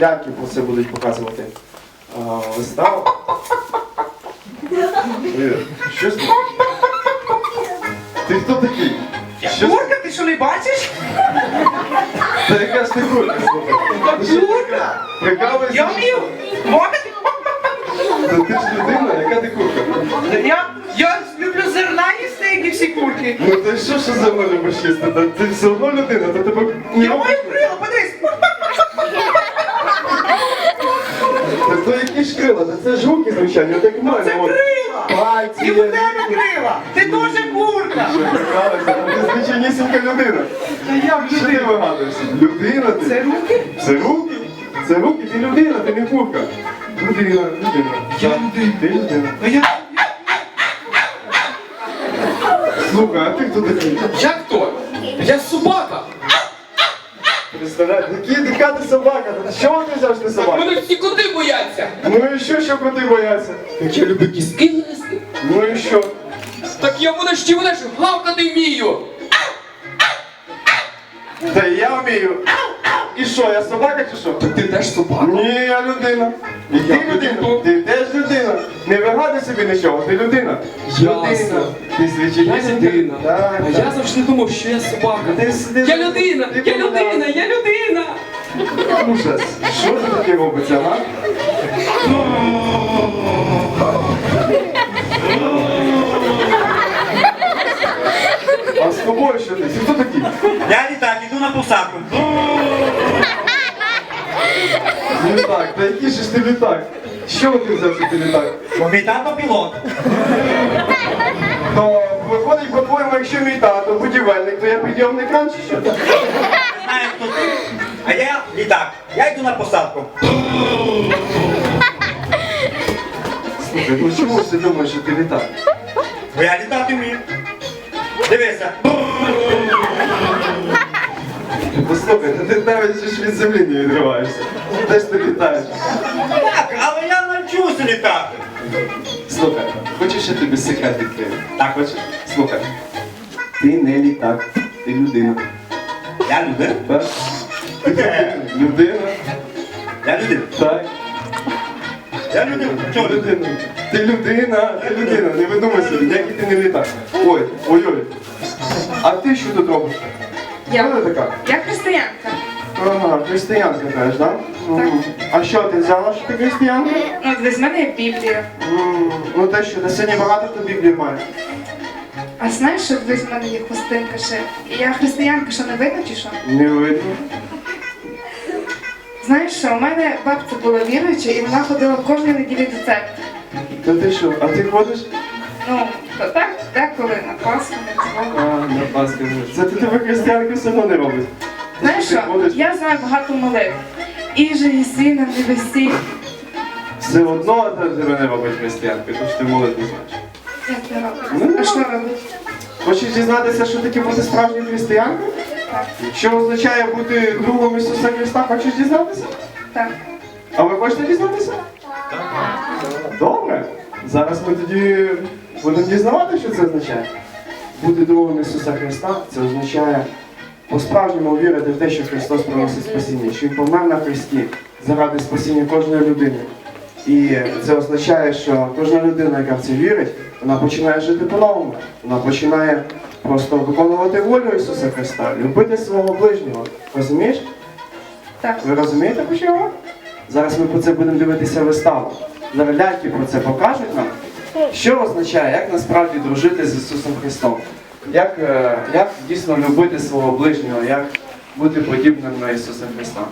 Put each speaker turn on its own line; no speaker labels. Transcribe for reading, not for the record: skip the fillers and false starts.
Ляльки про це будуть показувати виставу. Що з ним? Ти хто такий?
Курка, ти що не бачиш?
Та яка ж ти курка, слухай? Ти що така? Прикалуєшся?
Я вмію мовити.
Та ти ж людина, яка ти курка?
Я люблю зерна їсти, як і всі курки.
Ну ти що за мною любиш їсти? Та ти все одно людина, то тебе...
Я маю крила, подивись.
Та то які ж крила? Та це ж руки, звичайно, так в мене.
Це крила.
Пальці,
І в тебе крила. Ти теж курка.
Прикалуєшся, ти звичайнісінька людина.
Та я
Що ти вигадуєшся? Людина ти?
Це руки?
Це руки? Це руки, ти людина, ти не курка. Людина.
Я людина.
Ти людина.
А я...
Слухай, а ти хто такий?
Як то? Я собака!
Представляєш, яка ти собака? Та чого ти взяв, що ти собака?
Мене всі коти бояться!
Ну і що коти бояться?
Так я люблю кістки їсти.
Ну і що?
Так я вона ж гавкати вмію!
Та я вмію. І що, я собака чи що?
Так ти теж собака?
Ні, я людина. І ти
Я
людина.
хто?
Ти теж людина. Не вигадуй собі нічого, ти людина.
Ясно.
Людина. Ти звичайно.
Я людина.
Так,
А
так.
я завжди думав, що я собака.
Ти-
Я людина!
ти
Я людина! Я людина!
Ужас. Що це таке робиться, га? А з тобою що ти? Ти хто такий?
Я літак, іду на посадку.
Літак, та який же ж ти літак? Що ти взяв, що ти літак?
Мій тато пілот.
То виходить, по-твоєму, якщо мій тато будівельник, то я підйомний кран чи що?
Знаю, хто ти. А я літак. Я йду на посадку.
Слухай, ну чому ж ти думаєш, що ти літак?
Бо я літати вмію. Дивися.
Послухай, та ти навіть ж від землі не відриваєшся. Де ж ти літаєш?
Так, але я навчуся літати.
Слухай, хочеш я тобі секрет відкрию?
Так,
Хочеш? Слухай. Ти не літак, ти людина.
я людина.
Так? Людина.
Я людина.
Так.
Я людина. Чого людина?
Людина. Ти людина, не видумай собі, ніякий ти не літак. Ой. А ти що тут робиш?
Я.
Хто ти така?
Я християнка.
Ага, християнка теж, так? А що ти взяла, що ти християнка?
Ну, десь в мене є Біблія.
Ну те що, на сьогодні багато хто Біблії має.
А знаєш, що десь в мене є хустинка ще? І я християнка, що не видно чи що?
Не видно.
Знаєш що, у мене бабця була віруюча і вона ходила кожної неділі до церкви.
Та ти що, а ти ходиш?
Ну, то так, деколи на Пасху, на цього.
На Пасху. Це ти тебе християнка все одно не робить.
Знаєш
Ти
що,
ходиш,
я знаю багато молитв. І же і сина не весі.
все одно тебе не робить християнкою, тому що ти молитву знаєш.
Як це
Ну,
робить? А що робить?
Хочеш дізнатися, що таке бути справжньою християнкою?
Так,
Що означає бути другом Ісуса Христа? Хочеш дізнатися?
так.
А ви хочете дізнатися? Добре. Зараз ми тоді будемо дізнавати, що це означає. Бути другом Ісуса Христа – це означає по-справжньому вірити в те, що Христос приносить спасіння, що Він помер на Христі заради спасіння кожної людини. І це означає, що кожна людина, яка в це вірить, вона починає жити по-новому. Вона починає просто виконувати волю Ісуса Христа, любити свого ближнього. Розумієш?
Так.
Ви розумієте, про що я говорю? Зараз ми про це будемо дивитися виставу. Зараз ляльки про це покажуть нам, що означає, як насправді дружити з Ісусом Христом. Як дійсно любити свого ближнього, як бути подібним на Ісуса Христа.